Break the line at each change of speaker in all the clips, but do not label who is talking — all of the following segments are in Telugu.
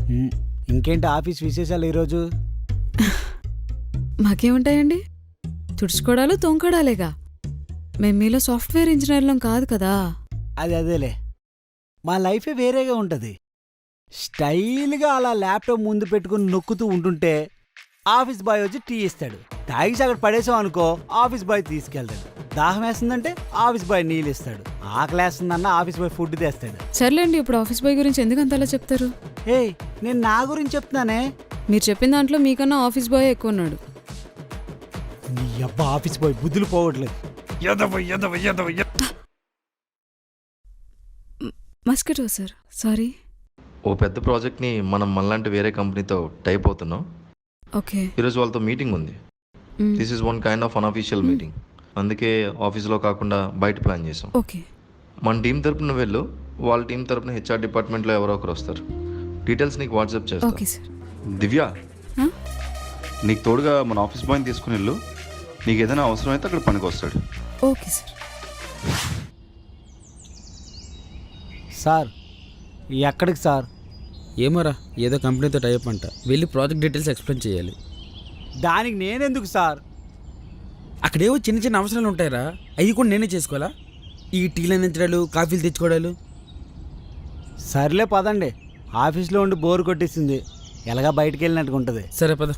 ఇంకేంటి ఆఫీస్ విశేషాలు ఈరోజు?
మాకేముంటాయండి, తుడుచుకోవడాలు తొంకడాలేగా. మేము మీలో సాఫ్ట్వేర్ ఇంజనీర్లం కాదు కదా.
అదేలే, మా లైఫే వేరేగా ఉంటుంది. స్టైల్గా అలా ల్యాప్టాప్ ముందు పెట్టుకుని నొక్కుతూ ఉంటుంటే ఆఫీస్ బాయ్ వచ్చి టీ ఇస్తాడు. తాగిసి అక్కడ పడేసాం అనుకో, ఆఫీస్ బాయ్ తీసుకెళ్తాడు. దాహం వేస్తుందంటే ఆఫీస్ బాయ్ నీళ్ళు ఇస్తాడు. ఆకలి వేస్తుందన్న ఆఫీస్ బాయ్ ఫుడ్ తెస్తాడు.
సర్లేండి, ఇప్పుడు ఆఫీస్ బాయ్ గురించి ఎందుకు అంతలా చెప్తారు?
ఏయ్, నేను నా గురించి చెప్తున్నానే.
మీరు చెప్పిన దాంట్లో మీకన్నా ఆఫీస్ బాయ్ ఎక్కువ ఉన్నాడు.
నీ అబ్బా ఆఫీస్ బాయ్ బుద్ధులు పోవట్లేదు.
Mosquito sir, sorry.
ఓ పెద్ద ప్రాజెక్ట్ని మనం మనలాంటి వేరే కంపెనీతో టైప్ అవుతున్నాం.
ఓకే.
ఈరోజు వాళ్ళతో మీటింగ్ ఉంది. This is one kind of unofficial meeting. అందుకే ఆఫీస్లో కాకుండా బయట ప్లాన్ చేసాం.
ఓకే.
మన టీం తరపున వెళ్ళు, వాళ్ళ టీం తరపున హెచ్ఆర్ డిపార్ట్మెంట్లో ఎవరో ఒకరు వస్తారు. డీటెయిల్స్ నీకు వాట్సాప్
ఓకే
చేస్తాను.
సార్.
దివ్య, నీకు తోడుగా మన ఆఫీస్ బాయ్ని తీసుకుని వెళ్ళు. నీకు ఏదైనా అవసరం అయితే అక్కడ పనికి వస్తాడు.
Okay sir.
సార్ ఎక్కడికి సార్?
ఏమోరా, ఏదో కంపెనీతో టైప్ అంట. వెళ్ళి ప్రాజెక్ట్ డీటెయిల్స్ ఎక్స్ప్లెయిన్ చేయాలి.
దానికి నేనెందుకు సార్?
అక్కడేవో చిన్న చిన్న అవసరాలు ఉంటాయిరా, అవి కూడా నేనే చేసుకోవాలా? ఈ టీలు అందించడాలు, కాఫీలు తెచ్చుకోవడాలు.
సర్లే పదండి, ఆఫీస్లో ఉండి బోర్ కొట్టేసింది. ఎలాగా బయటికి వెళ్ళినట్టుగా ఉంటుంది.
సరే పద.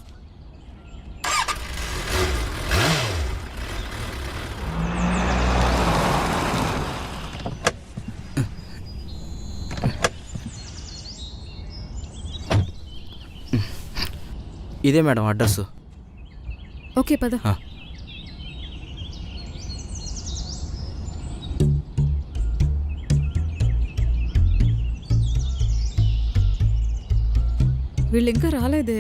ఇదే మేడం అడ్రస్.
ఓకే పద. వీళ్ళు ఇంకా రాలేదే.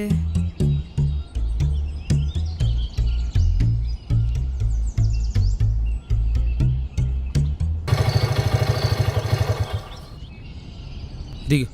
దిగు.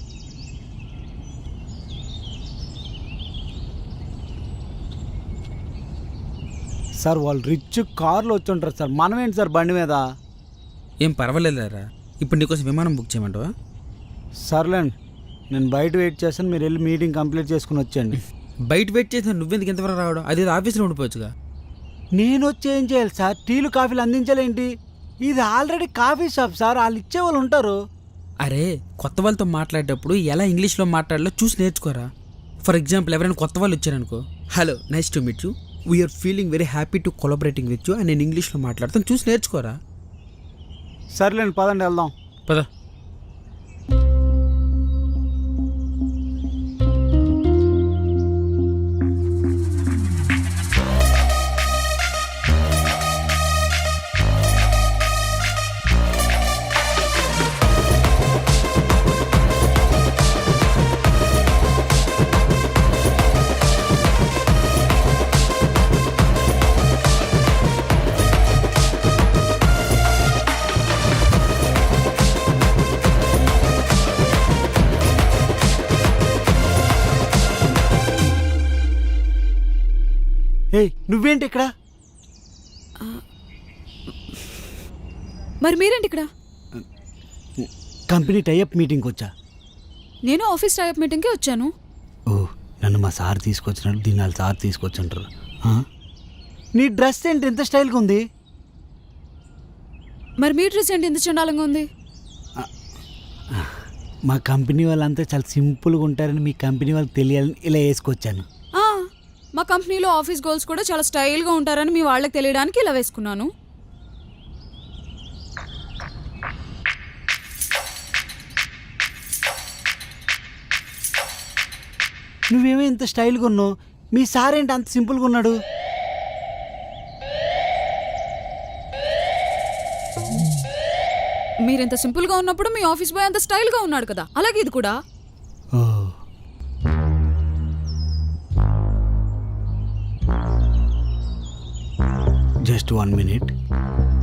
సార్ వాళ్ళు రిచ్ కార్లో వచ్చి ఉంటారు సార్, మనమేంటి సార్ బండి మీద?
ఏం పర్వాలేదురా, ఇప్పుడు నీకోసం విమానం బుక్ చేయమంటావా?
సర్లేండి, నేను బయట వెయిట్ చేస్తాను, మీరు వెళ్ళి మీటింగ్ కంప్లీట్ చేసుకుని వచ్చేయండి.
బయట వెయిట్ చేసిన నువ్వెందుకు ఎంతవరకు రావడం? అది ఆఫీస్లో ఉండిపోవచ్చుగా.
నేను వచ్చి ఏం చేయాలి సార్? టీలు కాఫీలు అందించాలేంటి? ఇది ఆల్రెడీ కాఫీ షాప్ సార్, వాళ్ళు ఇచ్చేవాళ్ళు ఉంటారు.
అరే, కొత్త వాళ్ళతో మాట్లాడేటప్పుడు ఎలా ఇంగ్లీష్లో మాట్లాడాలో చూసి నేర్చుకోరా. ఫర్ ఎగ్జాంపుల్, ఎవరైనా కొత్త వాళ్ళు వచ్చారనుకో, hello, nice to meet you, we are feeling very happy to collaborating with you అని నేను ఇంగ్లీష్లో మాట్లాడతాను, చూసి నేర్చుకోరా.
సర్లేండి పదండి వెళ్దాం.
పద.
ఏయ్, నువ్వేంటి ఇక్కడ?
మరి మీరేంటి ఇక్కడ?
కంపెనీ టైఅప్ మీటింగ్కి వచ్చా.
నేను ఆఫీస్ టైప్ మీటింగ్కి వచ్చాను.
ఓ, నన్ను మా సార్ తీసుకొచ్చినట్టు దీన్ని వాళ్ళ సార్ తీసుకొచ్చుంటారు. నీ డ్రెస్ ఏంటి ఎంత స్టైల్గా ఉంది?
మరి మీ డ్రెస్ ఏంటి ఎంత చండాలంగా ఉంది?
మా కంపెనీ వాళ్ళంతా చాలా సింపుల్గా ఉంటారని మీ కంపెనీ వాళ్ళకి తెలియాలని ఇలా వేసుకొచ్చాను.
మా కంపెనీలో ఆఫీస్ గోల్స్ కూడా చాలా స్టైల్గా ఉంటారని మీ వాళ్ళకి తెలియడానికి ఇలా వేసుకున్నాను.
నువ్వేమో ఇంత స్టైల్గా ఉన్నావు, మీ సార్ ఏంటి అంత సింపుల్గా ఉన్నాడు?
మీరెంత సింపుల్గా ఉన్నప్పుడు మీ ఆఫీస్ బాయ్ అంత స్టైల్గా ఉన్నాడు కదా, అలాగే ఇది కూడా.
Oh, just 1 minute.